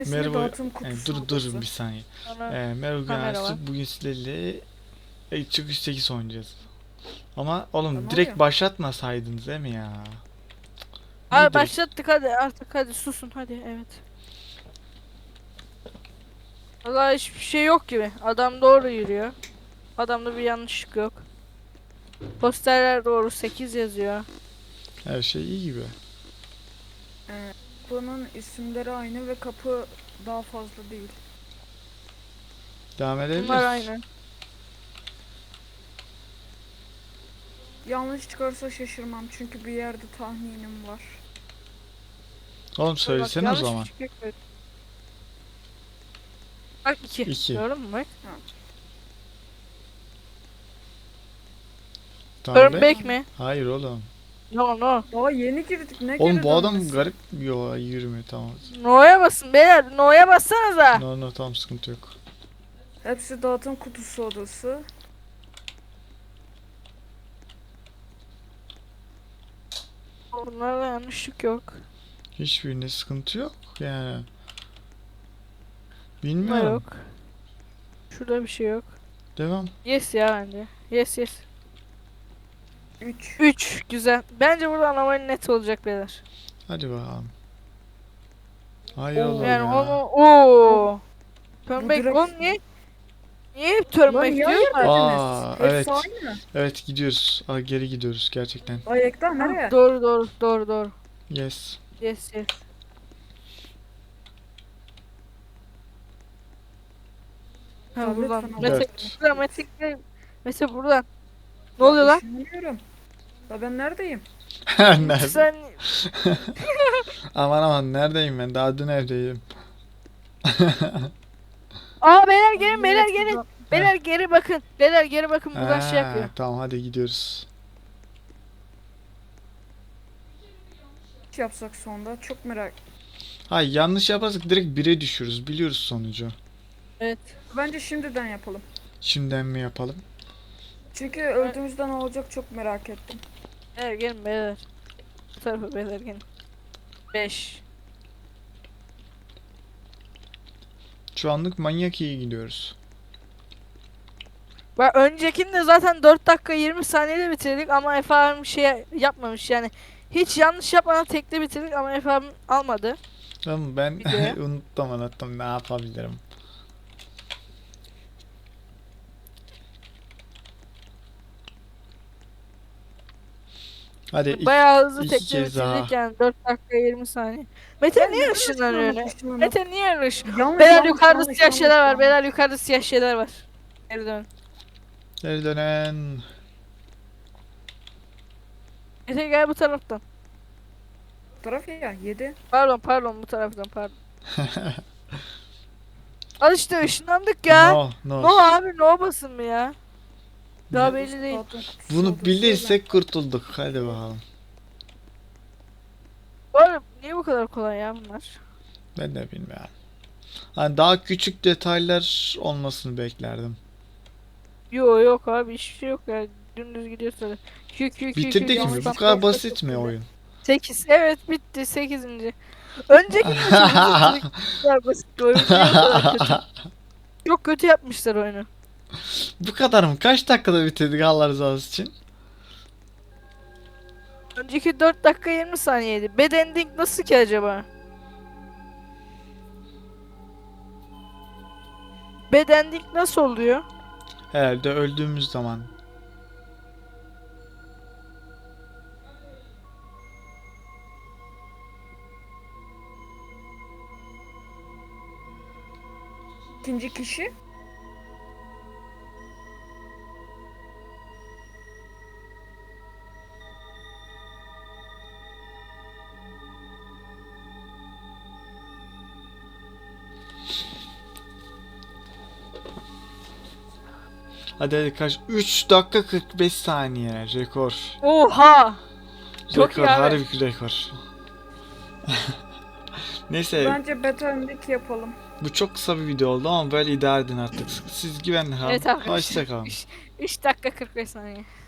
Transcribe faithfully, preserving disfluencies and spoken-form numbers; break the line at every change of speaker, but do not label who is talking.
Merhaba,
dağıtım
e,
kutusu
dur dur
odası.
bir saniye.
Sonra
E, merhaba
kamera var.
Güneş, bugün sizlerle e, çıkış sekiz oynayacağız. Ama oğlum
Ne
direkt
oluyor?
başlatmasaydınız değil mi ya? Niye
Abi
direkt?
başlattık, hadi artık, hadi susun, hadi, evet. Vallahi hiçbir şey yok gibi. Adam doğru yürüyor. Adamda bir yanlışlık yok. Posterler doğru, sekiz yazıyor.
Her şey iyi gibi.
Ee, Kapının isimleri aynı ve kapı daha fazla değil.
Devam
Bunlar
edebiliriz.
aynı.
Yanlış çıkarsa şaşırmam çünkü bir yerde tahminim var.
Oğlum
Dur bak,
söylesene o
yanlış bir
zaman.
şey yok. Bak iki.
İki.
Gördün mü bak?
Tamam
Turn
be.
back mi?
Hayır oğlum.
No no.
Daha yeni girdik, ne
Oğlum
geri
bu adam
dönmesi?
garip yo yürümüyor, tamam.
No'ya basın beyler. No'ya bassanıza.
No no, tamam, sıkıntı yok.
Hepsi dağıtım kutusu odası.
Bunlarda yanlışlık yok.
Hiçbirinde sıkıntı yok yani.
Bunda
Bilmiyorum.
yok. Şurada bir şey yok.
Devam.
Yes ya bence. Yes yes.
üç.
üç güzel. Bence burada anomaly net olacak beyler.
Hadi bakalım. Hayır
Oo.
oğlum
Yani
ya.
onu ooo. Turn
Bu
back
direkt-
oğlum niye? Niye hep turn
Lan
back
niye
diyorlar?
Aa,
Hepsi
evet.
aynı.
Evet, gidiyoruz. Aa, geri gidiyoruz gerçekten.
Ay Ekta nereye?
Doğru doğru doğru doğru.
Yes.
Yes yes. Ha
Tablet
buradan.
falan
Mete,
Dört.
buradan Mete, Mete buradan. Ne oluyor lan?
Işınlanıyorum. Ya ben neredeyim?
Nerede?
Sen
Aman aman, neredeyim ben? Daha dün evdeydim.
Aa beyler gelin, beyler
Hepsi
gelin.
da-
Beyler geri bakın. Beyler geri bakın, buradan şey
Ha,
yapıyor.
tamam, hadi gidiyoruz.
Hiç yapsak sonda çok merak.
Hayır, yanlış yaparsak direkt bire düşürüz. Biliyoruz sonucu.
Evet.
Bence şimdiden yapalım.
Şimdiden mi yapalım?
Çünkü öldüğümüzde ne olacak çok merak ettim.
Beyler gelin beyler. Bu tarafa beyler gelin. beş.
Şu anlık manyak iyi gidiyoruz.
Bak öncekinde zaten dört dakika yirmi saniyede bitirdik ama Efe abim şey yapmamış yani. Hiç yanlış yapmadan tekte bitirdik ama Efe abim almadı.
Tamam, ben
Videoya.
unuttum unuttum, ne yapabilirim? Hadi iki,
Bayağı hızlı
iki
tekte
kez
bitirdik
daha.
yani dört dakika yirmi saniye. Mete
Ben
niye
neden
ışınlanıyor öyle?
ışınlanıp-
Mete niye ış?
Yanlış,
Beyler
yanlış,
yukarıda
yanlış,
siyah
yanlış,
şeyler var.
yanlış.
Beyler yukarıda siyah şeyler var. Geri dön.
Geri dönen.
Mete gel bu taraftan.
Taraf ya yedi.
Pardon pardon bu taraftan pardon. Al işte ışınlandık ya.
No, no.
No abi no basın mı ya? Daha
Ne?
belli değil.
Dağıtım kutusu
Bunu
odası.
bilirsek kurtulduk. Hadi bakalım.
Bu arada niye bu kadar kolay ya bunlar?
Ben de bilmiyorum. Hani daha küçük detaylar olmasını beklerdim.
Yo yok abi hiçbir şey yok ya. Dümdüz gidiyor sonra. Kü kü kü
Bitirdik mi?
yanlış
Bu
bak-
kadar basit mi oyun?
sekiz. Evet bitti sekizinci. Önceki de çok basit. Bu kadar basit bir oyun değil, bu kadar kötü. Çok kötü yapmışlar oyunu.
Bu kadar mı? Kaç dakikada bitirdik Allah rızası için?
Önceki dört dakika yirmi saniyeydi. Bad ending nasıl ki acaba? Bad ending nasıl oluyor?
Herhalde öldüğümüz zaman.
İkinci kişi.
Hadi hadi kaç? üç dakika kırk beş saniye. Rekor.
Oha! Çok
Rekor,
iyi abi.
harbi rekor. Neyse,
Bence beta öndeki yapalım.
bu çok kısa bir video oldu ama böyle idare edin artık. Siz güvenli kalın.
Evet arkadaşlar.
Hoşça kalın.
üç dakika kırk beş saniye.